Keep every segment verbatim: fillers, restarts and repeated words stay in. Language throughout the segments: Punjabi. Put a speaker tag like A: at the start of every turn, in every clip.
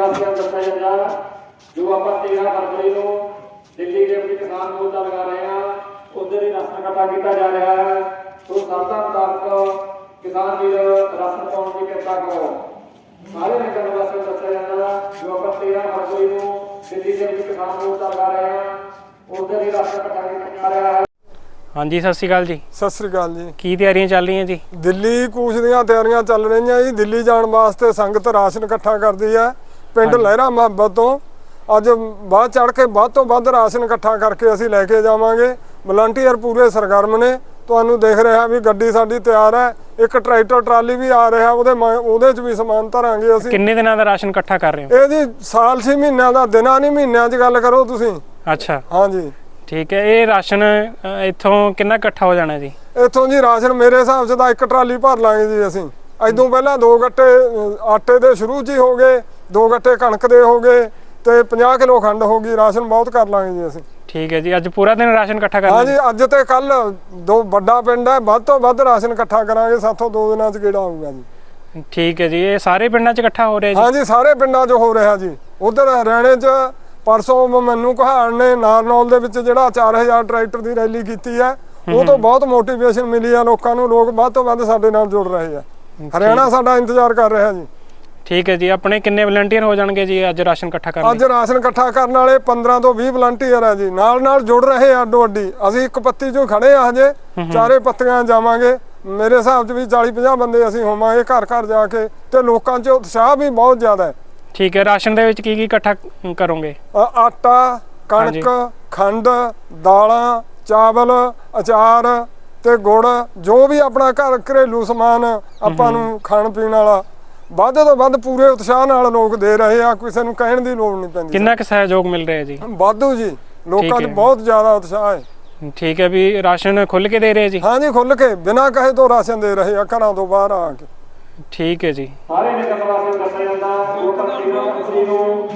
A: ਵਾਸੀਆਂ ਨੂੰ ਦੱਸਿਆ ਜਾਂਦਾ ਜੋ ਆਪਾਂ तेरह फरवरी ਨੂੰ ਦਿੱਲੀ ਦੇ ਵਿੱਚ ਕਿਸਾਨ ਮੋਰਚਾ ਲਗਾ ਰਹੇ ਹਾਂ ਉਧਰ ਹੀ ਰਾਸ਼ਨ ਇਕੱਠਾ ਕੀਤਾ ਜਾ ਰਿਹਾ ਹੈ। ਸੋ ਸਰਦਾ ਮੁਤਾਬਕ ਕਿਸਾਨ ਵੀਰ ਰਾਸ਼ਨ ਪਾਉਣ ਦੀ ਕਿਰਪਾ ਕਰੋ। ਸਾਰੇ ਨਗਰ ਵਾਸੀਆਂ ਨੂੰ ਦੱਸਿਆ ਜਾਂਦਾ ਜੋ ਆਪਾਂ तेरह फरवरी ਨੂੰ ਦਿੱਲੀ ਦੇ ਵਿੱਚ ਕਿਸਾਨ ਮੋਰਚਾ ਲਗਾ ਰਹੇ ਹਾਂ ਉਧਰ ਹੀ ਰਾਸ਼ਨ ਇਕੱਠਾ ਕੀਤਾ ਜਾ ਰਿਹਾ ਹੈ।
B: हाँ जी सत श्री अकाल जी।
C: सत श्री अकाल जी।
B: की तैयारियां चल रही हैं जी?
C: दिल्ली कूच ਦੀਆਂ ਤਿਆਰੀਆਂ ਚੱਲ ਰਹੀਆਂ ਜੀ। ਦਿੱਲੀ ਜਾਣ ਵਾਸਤੇ ਸੰਗਤ ਰਾਸ਼ਨ ਇਕੱਠਾ ਕਰਦੀ ਹੈ ਪਿੰਡ ਲਹਿਰਾ ਮੁਹੱਬਤ ਤੋਂ। ਅੱਜ ਬਾਅਦ ਚੜ ਕੇ ਵੱਧ ਤੋਂ ਵੱਧ ਰਾਸ਼ਨ ਇਕੱਠਾ ਕਰਕੇ ਅਸੀਂ ਲੈ ਕੇ ਜਾਵਾਂਗੇ। ਵਲੰਟੀਅਰ ਪੂਰੇ ਸਰਗਰਮ ਨੇ। ਤੁਹਾਨੂੰ ਦੇਖ ਰਿਹਾ ਵੀ ਗੱਡੀ ਸਾਡੀ ਤਿਆਰ ਹੈ। ਇੱਕ ਟਰੈਕਟਰ ਟਰਾਲੀ ਵੀ ਆ ਰਿਹਾ ਉਹਦੇ ਉਹਦੇ 'ਚ ਵੀ ਸਮਾਨ ਧਰਾਂਗੇ ਅਸੀਂ।
B: ਕਿੰਨੇ ਦਿਨਾਂ ਦਾ ਰਾਸ਼ਨ ਇਕੱਠਾ ਕਰ ਰਹੇ ਹੋ?
C: ਇਹ ਜੀ ਸਾਲ ਛੇ ਮਹੀਨਿਆਂ ਦਾ, ਦਿਨਾਂ ਨਹੀਂ ਮਹੀਨਿਆਂ 'ਚ ਗੱਲ ਕਰੋ ਤੁਸੀਂ।
B: ਅੱਛਾ
C: ਹਾਂ ਜੀ
B: ठीक है। ये राशन इत्थों कितना इकट्ठा हो जाना जी?
C: ਇੱਥੋਂ ਜੀ ਰਾਸ਼ਨ ਮੇਰੇ ਹਿਸਾਬ 'ਚ ਤਾਂ ਇੱਕ ਟਰਾਲੀ ਭਰ ਲਾਂਗੇ ਜੀ ਅਸੀਂ। ਇਦੋਂ ਪਹਿਲਾਂ ਦੋ ਗੱਟੇ ਆਟੇ ਦੇ ਸ਼ੁਰੂ 'ਚ ਹੀ ਹੋ ਗਏ, ਦੋ ਗੱਟੇ ਕਣਕ ਦੇ ਹੋ ਗਏ ਤੇ ਪੰਜਾਹ ਕਿਲੋ ਖੰਡ ਹੋ ਗਈ। ਰਾਸ਼ਨ ਬਹੁਤ ਕਰ ਲਾਂਗੇ ਜੀ ਅਸੀਂ।
B: ठीक है जी। ਅੱਜ ਪੂਰਾ ਦਿਨ ਰਾਸ਼ਨ ਇਕੱਠਾ ਕਰਨਾ?
C: ਹਾਂ ਜੀ ਅੱਜ ਤੇ ਕੱਲ ਦੋ ਵੱਡਾ ਪਿੰਡ ਹੈ, ਵੱਧ ਤੋਂ ਵੱਧ ਰਾਸ਼ਨ ਇਕੱਠਾ ਕਰਾਂਗੇ। ਸਾਥੋਂ ਦੋ ਦਿਨਾਂ 'ਚ ਗੇੜਾ ਆਊਗਾ ਜੀ।
B: ਠੀਕ ਹੈ ਜੀ। ਇਹ ਸਾਰੇ ਪਿੰਡਾਂ 'ਚ ਇਕੱਠਾ ਹੋ ਰਿਹਾ ਜੀ?
C: ਹਾਂ ਜੀ ਸਾਰੇ ਪਿੰਡਾਂ 'ਚ ਹੋ ਰਿਹਾ ਜੀ। ਉਧਰ ਹਰਿਆਣੇ 'ਚ परसों मैनू कहाड़ ने नारनौल दे विच जिहड़ा चार हज़ार ट्रैक्टर की रैली की है वो तो बहुत मोटिवेशन मिली है लोगों को। लोग वध तो वध साडे नाल जुड़ रहे हैं। हरियाणा साडा इंतजार कर रहा जी।
B: ठीक है जी। अपने किन्ने वलंटियर हो जाएंगे जी अज राशन इकट्ठा करने?
C: अज राशन इकट्ठा करने वाले पंद्रह तो बीस वलंटियर है जी। नाल नाल जुड़ रहे हैं अड्डो अड्डी। असीं एक पत्ती चों खड़े आ हजे, चारे पत्तियां जावांगे। मेरे हिसाब च भी चालीस पचास बंदे असीं होवांगे घर घर जाके ते लोकां च उत्साह भी बहुत ज़्यादा है।
B: ठीक है। राशन दे विच की की इकट्ठा करोगे?
C: आटा, कणक, खंड, दालां, चावल, अचार ते गुड़, जो भी अपना घर घरेलू समान आपां नूं खाण पीण वाला ਵੱਧ ਤੋਂ ਵੱਧ ਪੂਰੇ ਉਤਸ਼ਾਹ ਨਾਲ ਲੋਕ ਦੇ ਰਹੇ ਆ। ਕਿਸੇ ਨੂੰ ਕਹਿਣ ਦੀ ਲੋੜ ਨਹੀਂ ਪੈਂਦੀ।
B: ਕਿੰਨਾ ਕੁ ਸਹਿਯੋਗ ਮਿਲ ਰਿਹਾ ਜੀ?
C: ਵਾਧੂ ਜੀ। ਲੋਕਾਂ 'ਚ ਬਹੁਤ ਜ਼ਿਆਦਾ ਉਤਸ਼ਾਹ ਹੈ।
B: ਠੀਕ ਹੈ। ਵੀ ਰਾਸ਼ਨ ਖੁੱਲ ਕੇ ਦੇ ਰਹੇ ਜੀ?
C: ਹਾਂ ਜੀ ਖੁੱਲ ਕੇ ਬਿਨਾਂ ਕਹੇ ਤੋਂ ਰਾਸ਼ਨ ਦੇ ਰਹੇ ਆ ਘਰਾਂ ਤੋਂ ਬਾਹਰ ਆ ਕੇ।
B: ਠੀਕ ਹੈ ਜੀ।
A: ਸਾਰੇ ਨਗਰ ਵਾਸੀਆਂ ਨੂੰ ਦੱਸਿਆ ਜਾਂਦਾ ਜੋ तेरह फरवरी ਨੂੰ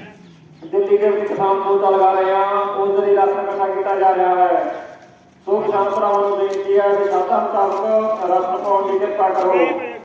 A: ਦਿੱਲੀ ਦੇ ਵਿੱਚ ਕਿਸਾਨ ਮੋਰਚਾ ਲਗਾ ਰਹੇ ਆ ਉਧਰ ਹੀ ਰਾਸ਼ਨ ਇਕੱਠਾ ਕੀਤਾ ਜਾ ਰਿਹਾ ਹੈ। ਸੋ ਕਿਸਾਨ ਭਰਾਵਾਂ ਨੂੰ ਬੇਨਤੀ ਹੈ ਕਿ ਸਾਡਾ ਮੁਤਾਬਕ ਰਾਸ਼ਨ ਪਾਉਣ ਦੀ ਕਿਰਪਾ ਕਰੋ।